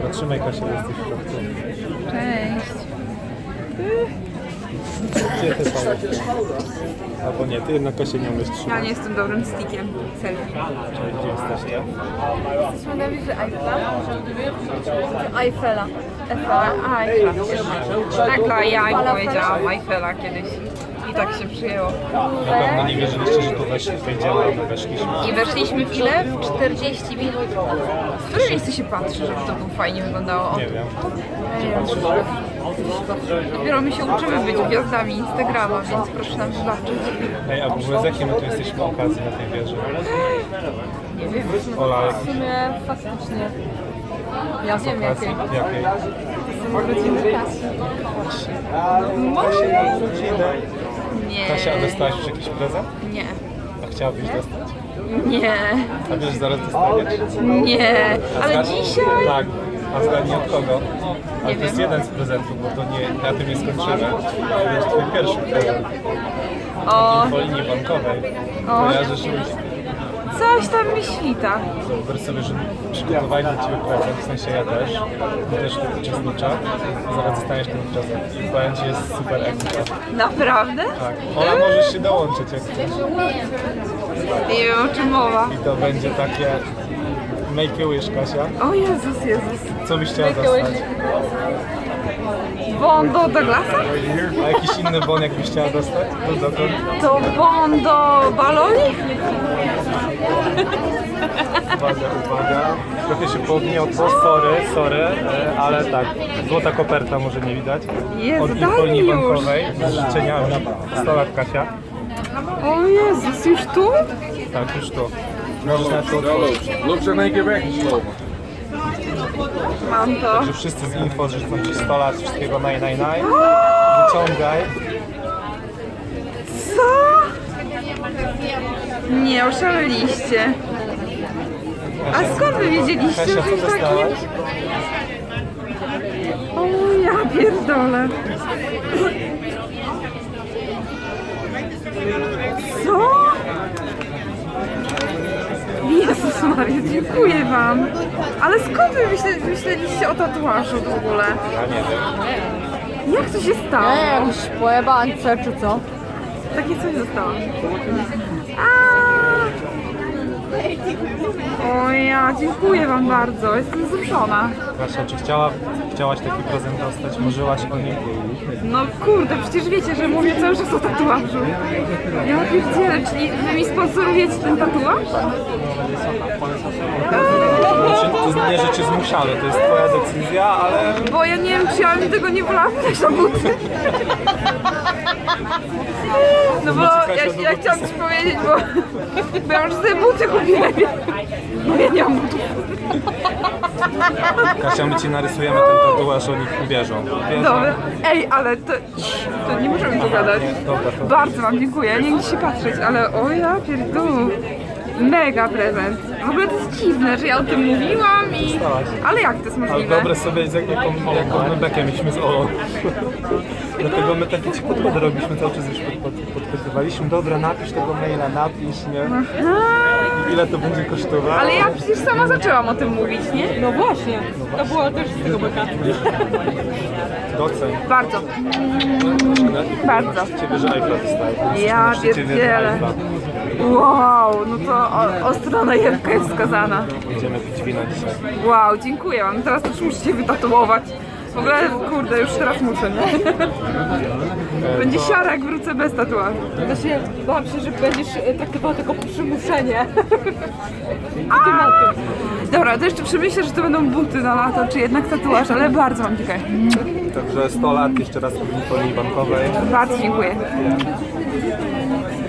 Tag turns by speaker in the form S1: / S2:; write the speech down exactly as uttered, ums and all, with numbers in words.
S1: Dobra, trzymaj Kasia, jesteś w środku.
S2: Cześć.
S1: Gdzie te są? Albo nie, ty jednak Kasia nie umiesz trzymać.
S2: Ja nie jestem dobrym stickiem. Selfie.
S1: Czyli gdzie jesteście?
S2: Jesteśmy na wieży Eiffla. Eiffela. Eiffela. A, Eiffla. Tak, dla ja im powiedziałam Eiffela kiedyś. I tak się przyjęło.
S1: Na pewno nie wierzyliście, że tu weszli, wejdziemy, a my weszliśmy.
S2: I weszliśmy w ile? W czterdzieści minut. W którym miejscu się patrzy, żeby to było fajnie wyglądało?
S1: Nie wiem.
S2: Dopiero my się uczymy być gwiazdami Instagrama, więc proszę nam wybaczyć.
S1: Ej, a w ogóle z jakiej my tu jesteśmy okazji na tej wieży?
S2: Nie wiem.
S1: Ola,
S3: W sumie faktycznie. Ja
S1: z
S3: wiem
S1: okazji
S3: jakie.
S1: jakiej?
S3: Urodziny Kasi.
S1: Kasia, urodziny.
S2: Nie.
S1: Kasia, a dostałaś już jakiś prezent?
S2: Nie.
S1: A chciałabyś dostać?
S2: Nie.
S1: A wiesz, zaraz dostaniesz?
S2: Nie.
S1: A
S2: Ale
S1: zgad-
S2: dzisiaj?
S1: Tak. A zgadnij od kogo? Ale
S2: Nie
S1: to jest
S2: wiem.
S1: jeden z prezentów, bo to nie, na tym nie skończymy. To jest twój pierwszy prezent.
S2: O,
S1: Po linii bankowej.
S2: O.
S1: Kojarzysz już?
S2: coś tam mi świta.
S1: Wyobraź sobie, że przygotowali dla Ciebie prezent, w sensie ja też. Ja też uczestniczę. Zaraz dostaniesz ten prezent. I powiem Ci, jest super ekstra.
S2: Naprawdę?
S1: Tak. Ola, możesz się dołączyć jak chcesz.
S2: Nie wiem o czym mowa.
S1: I to będzie takie make a wish, Kasia.
S2: O Jezus, Jezus.
S1: Co byś chciała dostać?
S2: Bon do Douglasa?
S1: A jakiś inny bon jakbyś chciała dostać? To dokąd?
S2: To bon do baloni?
S1: Uwaga, uwaga. Trochę się powgniotło, sorry, sorry, e, ale tak. Złota koperta, może nie widać.
S2: Jezu,
S1: Od
S2: daj mi
S1: Infolii
S2: już.
S1: bankowej z życzeniami. sto lat, Kasia.
S2: O Jezus, już tu?
S1: Tak, już tu. Możesz na to otworzyć.
S4: Looks er in één keer weg gesloten.
S2: Mam to.
S1: Że wszyscy z info życzą Ci sto lat, wszystkiego naj, naj, naj. Wyciągaj.
S2: Co? Nie, oszaleliście. A skąd wy wiedzieliście
S1: Kasia,
S2: o
S1: co
S2: czymś takim?
S1: dostałaś?
S2: O ja pierdolę. Co? Jezus Maria, dziękuję wam. Ale skąd wy myśle, myśleliście o tatuażu w ogóle?
S1: Ja nie wiem.
S2: Jak to się stało?
S3: Nie, jakiś pojebańce czy co?
S2: Takie coś zostało. A! O ja, dziękuję wam bardzo, jestem wzruszona.
S1: Kasia, czy chciała, chciałaś taki prezent dostać? Marzyłaś o nim?
S2: No kurde, przecież wiecie, że mówię cały czas o tatuażu. Ja pierdzielę, czyli wy mi sponsorujecie ten tatuaż?
S1: Znaczy, to nie, że Cię zmuszamy, to jest Twoja decyzja, ale
S2: Bo ja nie wiem, czy ja bym tego nie wolała wydać na buty. No bo ja, ja chciałam ci powiedzieć, bo, bo ja już sobie buty kupiłem. No ja nie mam butów.
S1: Kasia, my Ci narysujemy ten tatuaż, oni uwierzą. Uwierzą.
S2: Dobra. Ej, ale to, to nie możemy pogadać.
S1: Nie, dobra, to-
S2: Bardzo wam dziękuję, nie chcę się patrzeć, ale o ja pierdolę. Mega prezent. W ogóle to jest dziwne, że ja o tym mówiłam i...
S1: Dostałaś.
S2: Ale jak to jest
S1: Ale
S2: możliwe?
S1: wyobraź sobie, z jaką, jaką my bekę mieliśmy z Olą. Dlatego my takie Ci podchody robiliśmy, cały czas już pod, pod, podpytywaliśmy. Dobra, napisz tego maila, napisz, nie? I ile to będzie kosztowało?
S2: Ale ja przecież sama zaczęłam o tym mówić, nie?
S3: No właśnie, to było też z tego beka.
S1: Doceń.
S2: Bardzo. Bardzo.
S1: Ciebie, że Eiffla dostaje.
S2: Ja pierdzielę. Wow, no to o, ostra najewka jest wskazana.
S1: Będziemy pić wino dzisiaj.
S2: Wow, dziękuję wam. Teraz też musicie wytatuować. W ogóle, kurde, już teraz muszę, nie? Będzie siara, jak wrócę bez tatuażu.
S3: Znaczy, bałam się, że będziesz e, traktował tylko przymuszenie. Takie na tym.
S2: Dobra, to jeszcze przemyślę, że to będą buty na lato, czy jednak tatuaż, ale bardzo wam dziękuję.
S1: Także sto lat jeszcze raz w linii bankowej.
S2: Bardzo dziękuję.